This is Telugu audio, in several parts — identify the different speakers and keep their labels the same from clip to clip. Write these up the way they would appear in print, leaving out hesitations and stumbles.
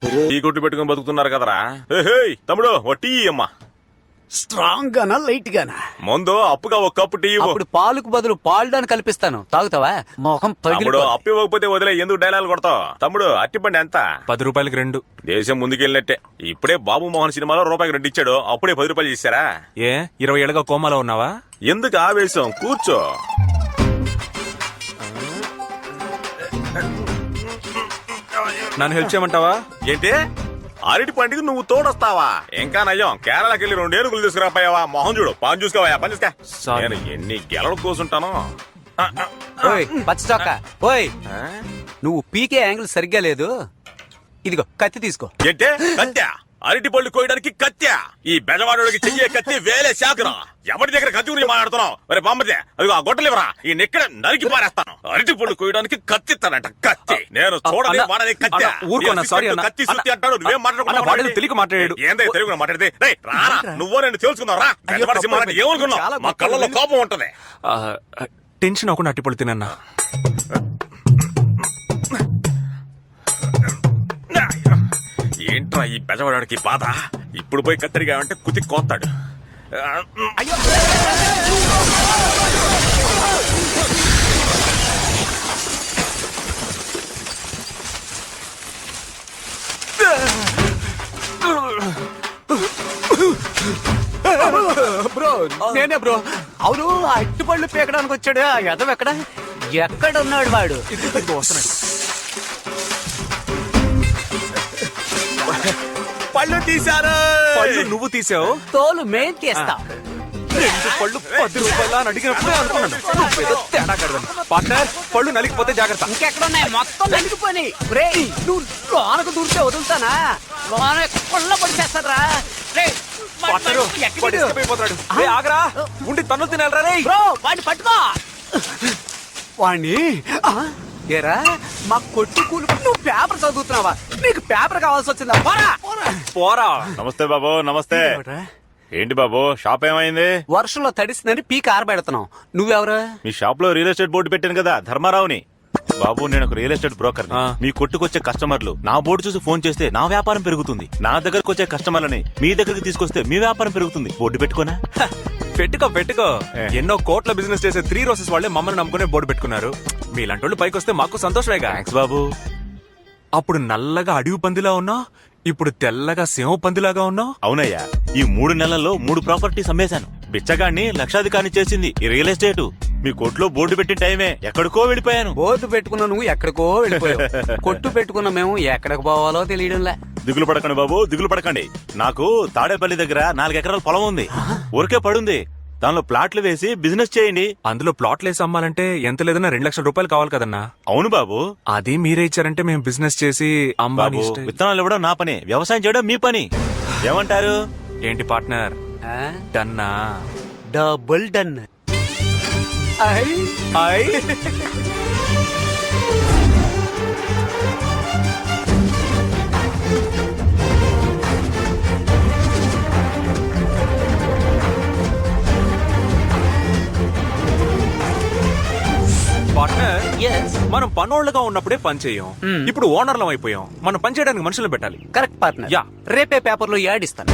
Speaker 1: టీ కొట్టు పెట్టుకుని బతుకుతున్నారు కదరా. తమ్ముడు ఓ టీ అమ్మా.
Speaker 2: స్ట్రాంగ్ గానా లైట్ గానా?
Speaker 1: ముందు అప్పుగా ఒక కప్పు టీ ఇవ్వు.
Speaker 2: అప్పుడు పాలుకు బదులు పాల్డాన్ కల్పిస్తాను, తాగుతావా? మొహం
Speaker 1: తమ్ముడు అప్పు ఇవ్వకపోతే వదిలే, ఎందుకు డైలాగ్ కొడతావు? తమ్ముడు అట్టిపండి ఎంత?
Speaker 3: 10 రూపాయలకి 2.
Speaker 1: దేశం ముందుకెళ్ళినట్టే. ఇప్పుడే బాబు మోహన్ సినిమాలో రూపాయికి 2 ఇచ్చాడు, అప్పుడే 10 రూపాయలు ఇచ్చారా?
Speaker 3: ఏ 20 ఏళ్ళగా కోమాలో ఉన్నావా?
Speaker 1: ఎందుకు ఆవేశం, కూర్చో.
Speaker 3: నన్ను హెల్ప్ చేయమంటావా?
Speaker 1: ఏంటి అరటి పండుగ నువ్వు తోడొస్తావా? ఇంకా నయ్యం, కేరళకి వెళ్ళి 2 ఏనుగులు తీసుకురాపోయావా? మొహం చూడు, పని చూసుకోవా, పని చూసుకో. నేను ఎన్ని గెలలు కూర్చుంటాను.
Speaker 2: పచ్చ చొక్క ఓయ్, నువ్వు పీకే యాంగిల్ సరిగ్గా లేదు. ఇదిగో కత్తి తీసుకో.
Speaker 1: ఏంటే కత్త్యా? అరటి పళ్ళు కోయడానికి కత్త్యా? ఈ బెజవాడోడికి చెయ్యే కత్తి వేలే శాఖరా. ఎవరి దగ్గర కత్తి గురించి మాట్లాడుతున్నావు? మరి బామ్మదే, అదిగో ఆ గొడ్డలివరా, ఈ నెక్కడ నరికి పారేస్తాను. అరటి పళ్ళు కోయడానికి కత్తి ఇస్తానంట. కత్తి నేను చూడలే, వాడని కత్తి. కత్తి సుత్తి అంటాడు, నువ్వేం మాట్లాడుకున్నావు?
Speaker 3: తెలుగు మాట్లాడాడు.
Speaker 1: ఏందే తెలుగు మాట్లాడితే? నువ్వో నేను తెలుసుకున్నావు రా. ఏమనుకున్నావు? మా కళ్ళలో కోపం ఉంటది.
Speaker 3: టెన్షన్ అవ్వకుండా అట్టిపళ్ళు తినన్నా.
Speaker 1: ఏంట్రా ఈ బెజవాడికి బాధ? ఇప్పుడు పోయి కత్తిరిగా అంటే కుతి కోస్తాడు.
Speaker 2: బ్రో నేనే బ్రో. అవును, అట్టిపళ్ళు పీకడానికి వచ్చాడు ఆ ఎదవ. ఎక్కడ ఉన్నాడు వాడు?
Speaker 3: వస్తున్నాడు.
Speaker 1: పళ్ళు తీశారు.
Speaker 3: పళ్ళు నువ్వు తీసావు,
Speaker 2: తోలు మేం తీస్తా.
Speaker 3: 2 పళ్ళు 10 రూపాయలు అని అడిగినప్పుడే అనుకున్నాను తేడా కడదాను. పార్ట్నర్, పళ్ళు నలిగిపోతే జాగ్రత్త.
Speaker 2: ఇంకెక్కడున్నాయి? మొత్తం నలిగిపోయి. నువ్వు లోనకు దూరితే వదులుతానా? లోన కొల్ల పడిచేస్తారా?
Speaker 3: ఆగరా, ఉండి తన్ను తినాలరా రే.
Speaker 2: బ్రో వాడిని పట్టుకో. వాణ్ణి ఏరా, మా కొట్టు కూలి నువ్వు పేపర్ చదువుతున్నావా? నీకు పేపర్ కావాల్సి వచ్చిందా?
Speaker 3: పోరా.
Speaker 1: నమస్తే బాబు. నమస్తే. ఏంటి బాబు, షాప్ ఏమైంది?
Speaker 2: వర్షంలో తడిసిందని పీక ఆరబెడుతున్నావు. నువ్వెవరు?
Speaker 1: మీ షాప్ లో రియల్ ఎస్టేట్ బోర్డు పెట్టాను కదా, ధర్మారావుని. బాబు నేను ఒక రియల్ ఎస్టేట్ బ్రోకర్. మీ కొట్టుకొచ్చే కస్టమర్లు నా బోర్డు చూసి ఫోన్ చేస్తే నా వ్యాపారం పెరుగుతుంది. నా దగ్గరకు వచ్చే కస్టమర్లని మీ దగ్గరికి తీసుకొస్తే మీ వ్యాపారం పెరుగుతుంది. బోర్డు పెట్టుకోనా?
Speaker 3: పెట్టుకో. ఎన్నో కోట్ల బిజినెస్ చేసే 3 రోజెస్ వాళ్ళే మమ్మల్ని నమ్ముకునే బోర్డు పెట్టుకున్నారు. మీలాంటి పైకి వస్తే మాకు సంతోషమేగా.
Speaker 1: థాంక్స్ బాబు.
Speaker 3: అప్పుడు నల్లగా అడవి పందిలా ఉన్నావు, ఇప్పుడు తెల్లగా సింహ పందిలాగా ఉన్నావు.
Speaker 1: అవునయ్యా, ఈ 3 నెలల్లో 3 ప్రాపర్టీస్ అమ్మేశాను. బిచ్చగాన్ని లక్షాధికారిని చేసింది ఈ రియల్ ఎస్టేట్. మీ కొట్లో బోర్డు పెట్టిన టైమే ఎక్కడికో వెళ్ళిపోయాను.
Speaker 2: బోర్డు పెట్టుకున్న నువ్వు ఎక్కడికో వెళ్ళిపోయావు. కొట్టు పెట్టుకున్న మేము ఎక్కడికి పోవాలో తెలియడంలే.
Speaker 1: దిగులు పడకండి బాబు, దిగులు పడకండి. నాకు తాడేపల్లి దగ్గర 4 ఎకరాల పొలం ఉంది, ఊరికే పడుంది. దానిలో ప్లాట్లు వేసి బిజినెస్ చేయండి.
Speaker 3: అందులో ప్లాట్లు వేసి అమ్మాలంటే ఎంత లేదన్నా 2 లక్షల రూపాయలు కావాలి కదన్నా.
Speaker 1: అవును బాబు.
Speaker 3: అది మీరే ఇచ్చారంటే మేము బిజినెస్ చేసి
Speaker 1: బాబు, విత్తనాలు ఇవ్వడం నా పని, వ్యవసాయం చేయడం మీ పని. ఏమంటారు?
Speaker 3: ఏంటి పార్ట్నర్, డన్నా?
Speaker 2: Double done.
Speaker 3: పార్ట్నర్, మనం పనోళ్ళగా ఉన్నప్పుడే పని చేయం. ఇప్పుడు ఓనర్లం అయిపోయాం. మనం పని చేయడానికి మనుషులు పెట్టాలి.
Speaker 2: Correct partner.
Speaker 3: యా,
Speaker 2: రేపే పేపర్ లో యాడ్ ఇస్తాను.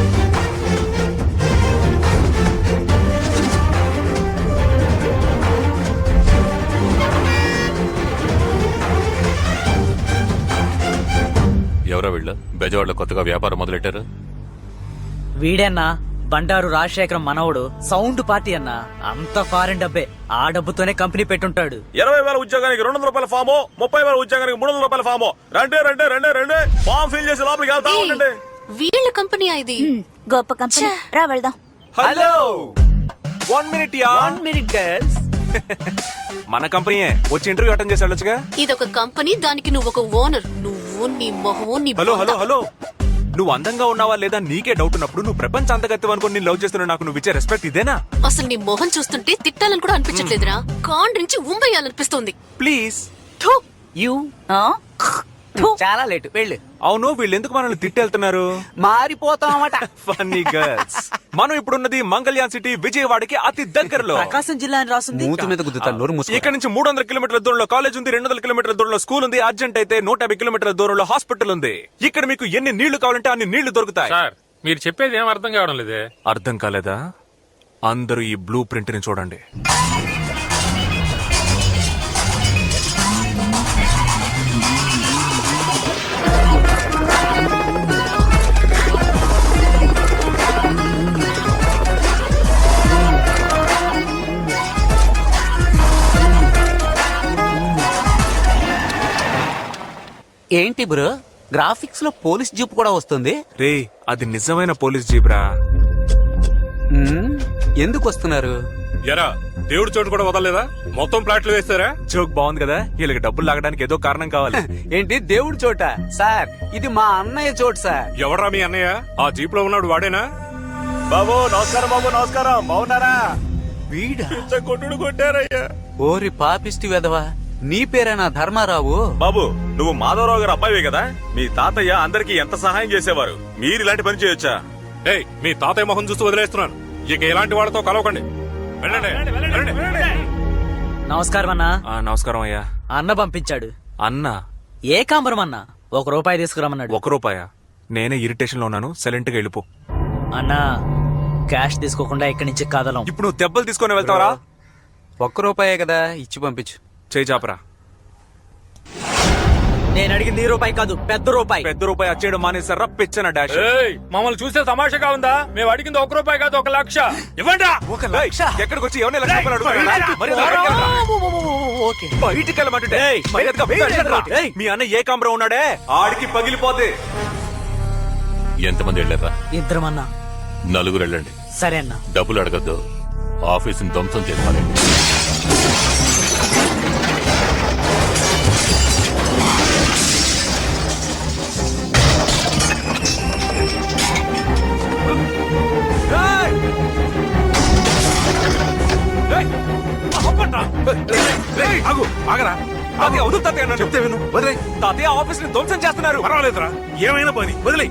Speaker 4: ఎవరో వీళ్ళు బెజవాడలో కొత్తగా వ్యాపారం మొదలెట్టారు.
Speaker 5: వీడన్నా బండారు రాజశేఖరం మనవడు. సౌండ్ పార్టీ అన్నా. అంత ఫారెన్ డబ్బే. ఆ డబ్బుతోనే కంపెనీ పెట్టుంటాడు.
Speaker 1: 20,000 ఉద్యోగానికి 200 రూపాయల ఫాము, 30,000 ఉద్యోగానికి 300 రూపాయల ఫాము. రండి ఫామ్ ఫిల్ చేసి లోపలికి వెళ్తా ఉండండి.
Speaker 6: వీళ్ళ కంపెనీ ఇది.
Speaker 7: గొప్ప కంపెనీ. రా వెళ్దాం.
Speaker 3: Hello, 1 minute yeah.
Speaker 2: 1 minute girls.
Speaker 3: మన కంపెనీయే, వచ్చి ఇంటర్వ్యూ అటెండ్ చేసి వెళ్ళొచ్చుగా.
Speaker 6: ఇదొక కంపెనీ, దానికి నువ్వు ఒక ఓనర్. నువ్వు నీ మొహము నీ.
Speaker 3: హలో, నువ్వు అందంగా ఉన్నావా లేదా నీకే డౌట్ ఉన్నప్పుడు నువ్వు ప్రపంచ అంతగత్యం అనుకుని నేను లవ్ చేస్తున్నా. నాకు నువ్వు ఇచ్చే రెస్పెక్ట్ ఇదేనా?
Speaker 6: అసలు నీ మొహం చూస్తుంటే తిట్టాలని కూడా అనిపించట్లేదురా. కాండ్రించి ఉంబయ్యాలనిపిస్తుంది.
Speaker 3: ప్లీజ్.
Speaker 2: యు చాలా లేటు వెళ్ళు.
Speaker 3: అవును వీళ్ళు ఎందుకు మనల్ని తిట్టెళ్తున్నారు?
Speaker 2: మారిపోతామట.
Speaker 3: Funny girls. మనం ఇప్పుడున్నది మంగళ్యాన్ సిటీ, విజయవాడకి అతి దగ్గరలో.
Speaker 5: ప్రకాశం జిల్లా అని రాసింది.
Speaker 2: మూతి మీద గుద్దుతాను, నోరు మూసుకో.
Speaker 3: ఇక్కడ నుంచి 300 కిలోమీటర్ల దూరంలో కాలేజ్ ఉంది, 200 కిలోమీటర్ల దూరంలో స్కూల్ ఉంది, అర్జెంట్ అయితే 150 కిలోమీటర్ల దూరంలో హాస్పిటల్ ఉంది. ఇక్కడ మీకు ఎన్ని నీళ్లు కావాలంటే అన్ని నీళ్లు దొరుకుతాయి.
Speaker 8: సార్ మీరు చెప్పేది ఏం అర్థం కావడం లేదే.
Speaker 3: అర్థం కాలేదా? అందరూ ఈ బ్లూ ప్రింట్ ని చూడండి.
Speaker 2: ఏంటి బ్రో, గ్రాఫిక్స్ లో పోలీస్ జీప్ కూడా వస్తుంది?
Speaker 3: రే అది నిజమైన పోలీస్ జీబ్రా.
Speaker 2: ఎందుకు వస్తున్నారు?
Speaker 8: ఎరా దేవుడి చోటు కూడా వదలలేదా? మొత్తం ప్లాట్లు వేస్తారా?
Speaker 3: జోక్ బాగుంది కదా. వీళ్ళకి డబ్బులు లాగడానికి ఏదో కారణం కావాలి.
Speaker 2: ఏంటి దేవుడి చోట? సార్ ఇది మా అన్నయ్య చోటు సార్.
Speaker 8: ఎవరా మీ అన్నయ్య? ఆ జీప్ లో ఉన్నాడు వాడేనా?
Speaker 1: బాబు నమస్కారం, బాబు నమస్కారం, బాగున్నారా?
Speaker 2: వీడా?
Speaker 1: కొట్టుడు కొట్టారయ్యా.
Speaker 2: ఓరి పాపిష్టి వెధవా, నీ పేరేనా ధర్మారావు?
Speaker 1: బాబు నువ్వు మాధవరావు గారు అబ్బాయివే కదా? మీ తాతయ్య అందరికి ఎంత సహాయం చేసేవారు, మీరు ఇలాంటి పని చేయొచ్చా?
Speaker 8: ఏయ్ మీ తాతయ్య మొహం చూస్తూ వదిలేస్తున్నాను. ఇక ఇలాంటి వాళ్ళతో కలవకండి. వెళ్ళండి, వెళ్ళండి.
Speaker 5: నమస్కారం అన్నా.
Speaker 3: నమస్కారం అయ్యా.
Speaker 5: అన్న పంపించాడు.
Speaker 3: అన్న
Speaker 5: ఏకాంబరం అన్న ₹1 తీసుకురమ్మన్నాడు.
Speaker 3: ₹1? నేనే ఇరిటేషన్ లో ఉన్నాను, సైలెంట్ గా వెళ్ళిపో.
Speaker 5: అన్నా క్యాష్ తీసుకోకుండా ఇక్కడి నుంచి కదలం.
Speaker 3: ఇప్పుడు నువ్వు దెబ్బలు తీసుకొని వెళ్తావరా?
Speaker 2: ₹1 కదా, ఇచ్చి పంపించు.
Speaker 3: చేయి చాపరా.
Speaker 5: నేను అడిగింది ₹1 కాదు, పెద్ద రూపాయి.
Speaker 3: పెద్ద రూపాయి వచ్చేయడం మానేసారా? పిచ్చన డాష్.
Speaker 8: ఏయ్ మమ్మల్ని చూస్తే తమాషాగా ఉందా? మేము అడిగింది ₹1 కాదు, 1,00,000. ఇవ్వండి.
Speaker 3: ఎక్కడికి వచ్చి ఎవరిని లక్ష రూపాయలు అడుగుతున్నారా? మరి బయటికి వెళ్ళరా? బయటికి వెళ్ళమంటుంటే మర్యాదగా బయటికి వెళ్ళరా? మీ అన్న ఏకాంబరం ఉన్నాడే, ఆడికి పగిలిపోతే.
Speaker 4: ఎంతమంది వెళ్ళారా?
Speaker 5: 2 అన్నా.
Speaker 4: 4 వెళ్ళండి.
Speaker 5: సరే అన్నా.
Speaker 4: డబ్బులు అడగద్దు, ఆఫీసుని ధ్వంసం చేసుకోవాలి.
Speaker 3: ఆగరా. తాతయ్య వదులు తాతయ్య అన్నాను. చెప్తే విను. వదిలే తాతయ్య, ఆఫీస్ ని ధ్వంసం చేస్తున్నారు.
Speaker 8: పర్వాలేదురా, ఏమైనా పని వదిలే.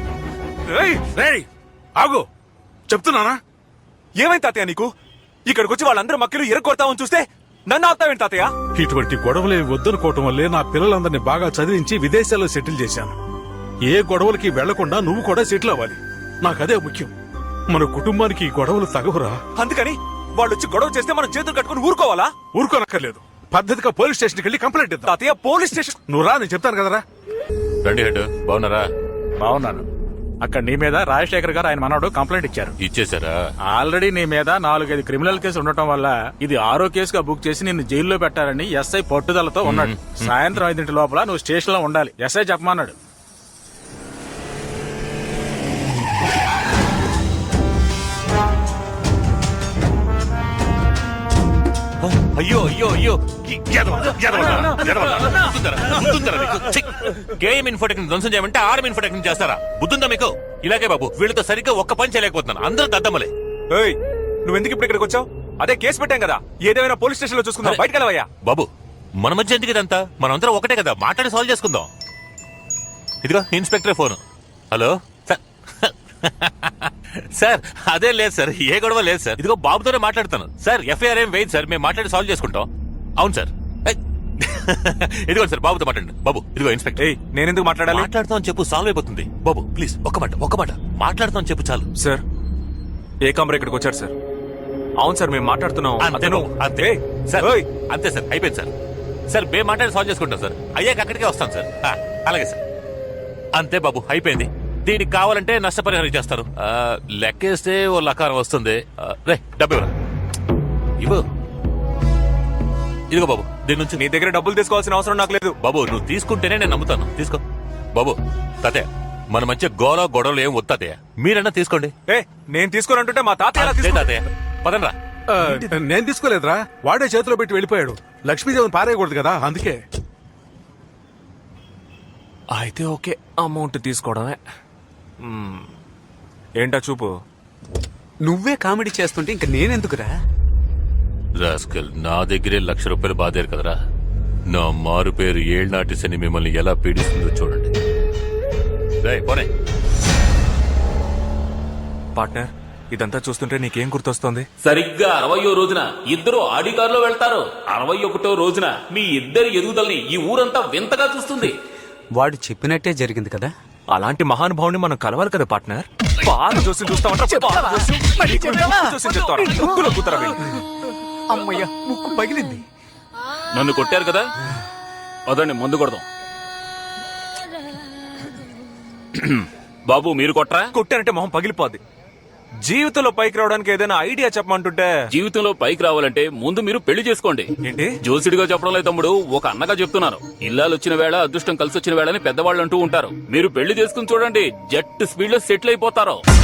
Speaker 8: ఆగు చెప్తున్నానా?
Speaker 3: ఏమైంది తాతయ్య నీకు? ఇక్కడికి వచ్చి వాళ్ళందరూ మక్కలు ఇరగొడతామని చూస్తే నన్ను ఆపుతావేంటి తాతయ్య?
Speaker 9: ఇటువంటి గొడవలేవి వద్దనుకోవటం వల్లే నా పిల్లలందరినీ బాగా చదివించి విదేశాల్లో సెటిల్ చేశాను. ఏ గొడవలకి వెళ్లకుండా నువ్వు కూడా సెటిల్ అవ్వాలి, నాకదే ముఖ్యం. మన కుటుంబానికి ఈ గొడవలు తగవురా.
Speaker 3: అందుకని వాళ్ళు వచ్చి గొడవ చేస్తే మనం చేతులు కట్టుకుని ఊరుకోవాలా?
Speaker 9: ఊరుకోనక్కర్లేదు, పద్ధతిగా పోలీస్ స్టేషన్కి వెళ్ళి కంప్లైంట్ ఇద్దాం.
Speaker 3: తాతయ్య పోలీస్ స్టేషన్?
Speaker 9: నువ్వు రా, నేను చెప్తాను కదరా.
Speaker 4: రండి హెడ్, బాగున్నారా?
Speaker 10: బాగున్నాను. అక్కడ నీ మీద రాజశేఖర్ గారు ఆయన మనవడు కంప్లైంట్ ఇచ్చారు.
Speaker 4: ఇచ్చేసారా?
Speaker 10: ఆల్రెడీ నీ మీద 4-5 క్రిమినల్ కేసు ఉండటం వల్ల ఇది 6వ కేసుగా బుక్ చేసి నిన్ను జైల్లో పెట్టాలని ఎస్ఐ పట్టుదలతో ఉన్నాడు. సాయంత్రం 5 లోపల నువ్వు స్టేషన్ లో ఉండాలి, ఎస్ఐ చెప్పమన్నాడు.
Speaker 4: అయ్యో అయ్యో అయ్యో, గేమ్ ఇన్ఫోటెక్ ధ్వంసం చేయమంటే ఆర్మ్ ఇన్ఫోటెక్ చేస్తారా? బుద్ధుందా మీకు? ఇలాగే బాబు, వీళ్ళతో సరిగ్గా ఒక్క పని చేయలేకపోతున్నాను, అందరూ దద్దమ్మలే.
Speaker 3: ఏయ్ నువ్వెందుకు ఇప్పుడు ఇక్కడికి వచ్చావు? అదే కేసు పెట్టాం కదా, ఏదేమైనా పోలీస్ స్టేషన్ లో చూసుకుందాం. బయటకు వెళ్ళవయ్యా.
Speaker 4: బాబు మన మధ్య ఎందుకు ఇదంతా? మనందరం ఒకటే కదా, మాట్లాడి సాల్వ్ చేసుకుందాం. ఇదిగో inspector phone. Hello sir. Sir అదే లేదు సార్, ఏ గొడవ లేదు సార్. ఇదిగో బాబుతోనే మాట్లాడుతాను సార్. ఎఫ్ఐఆర్ ఏం వేయదు సార్, మేము మాట్లాడి సాల్వ్ చేసుకుంటాం. అవును సార్. ఇదిగో సార్ బాబుతో మాట్లాడండి. బాబు ఇదిగో ఇన్స్పెక్టర్.
Speaker 3: నేనెందుకు మాట్లాడాలి?
Speaker 4: మాట్లాడుతాం చెప్పు, సాల్వ్ అయిపోతుంది. బాబు ప్లీజ్ ఒక్క మాట మాట్లాడుతాం చెప్పు చాలు.
Speaker 3: సార్ ఏకాంబరం ఇక్కడికి వచ్చారు సార్. అవును సార్, మేము మాట్లాడుతున్నాం.
Speaker 4: అంతే సార్, అంతే సార్, అయిపోయింది సార్. సార్ మేము మాట్లాడి సాల్వ్ చేసుకుంటాం సార్. అయ్యాక అక్కడికే వస్తాం సార్. అలాగే సార్. అంతే బాబు, అయిపోయింది. దీనికి కావాలంటే నష్టపరిహారం చేస్తారు. లెక్కేస్తే ఓ లకారం వస్తుంది. రే డబ్బు ఇవ్వు. ఇదిగో బాబు, దీని నుంచి
Speaker 3: నీ దగ్గర డబ్బులు తీసుకోవాల్సిన అవసరం నాకు లేదు.
Speaker 4: బాబు నువ్వు తీసుకుంటేనే నేను నమ్ముతాను. తీసుకో బాబు. తాతయ్య మన మధ్య గొడవలు ఏం వస్తాతయ్య, మీరన్నా తీసుకోండి.
Speaker 3: నేను తీసుకోనంటుంటే మా తాతయ్య.
Speaker 4: తాతయ్య పదండ్రా.
Speaker 9: నేను తీసుకోలేదురా, వాడే చేతిలో పెట్టి వెళ్ళిపోయాడు. లక్ష్మీదేవిని పారేయకూడదు కదా, అందుకే.
Speaker 3: అయితే ఓకే, అమౌంట్ తీసుకోవడమే. ఏంటా చూపు?
Speaker 2: నువ్వే కామెడీ చేస్తుంటే ఇంక నేనెందుకురా?
Speaker 4: రాస్కల్, నా దగ్గరే ₹1,00,000 బాధారు కదరా. నా మారు పేరు ఏళ్నాటి శని మిమ్మల్ని ఎలా పీడిస్తుందో చూడండి. రేయ్, పోనీ.
Speaker 3: పార్ట్నర్, ఇదంతా చూస్తుంటే నీకేం గుర్తొస్తోంది?
Speaker 11: సరిగ్గా 60వ రోజున ఇద్దరు ఆడి కారులో వెళ్తారు. 61వ రోజున మీ ఇద్దరి ఎదుగుదలని ఈ ఊరంతా వింతగా చూస్తుంది.
Speaker 2: వాడు చెప్పినట్టే జరిగింది కదా.
Speaker 3: అలాంటి మహానుభావుని మనం కలవాలి కదా పార్ట్నర్. బాగా చూసి
Speaker 2: అమ్మయ్య, ముక్కు పగిలింది.
Speaker 11: నన్ను కొట్టారు కదా, అదండి మందు కొడదాం. బాబు మీరు కొట్రా?
Speaker 3: కొట్టానంటే మొహం పగిలిపోద్ది. జీవితంలో పైకి రావడానికి ఏదైనా ఐడియా చెప్పమంటుంటే.
Speaker 11: జీవితంలో పైకి రావాలంటే ముందు మీరు పెళ్లి చేసుకోండి.
Speaker 3: ఏంటి?
Speaker 11: జోసిడిగా చెప్పడం లేదు తమ్ముడు, ఒక అన్నగా చెప్తున్నాను. ఇల్లాలు వచ్చిన వేళ అదృష్టం కలిసి వచ్చిన వేళ అని పెద్దవాళ్ళు అంటూ ఉంటారు. మీరు పెళ్లి చేసుకుని చూడండి, జెట్ స్పీడ్ లో సెటిల్ అయిపోతారు.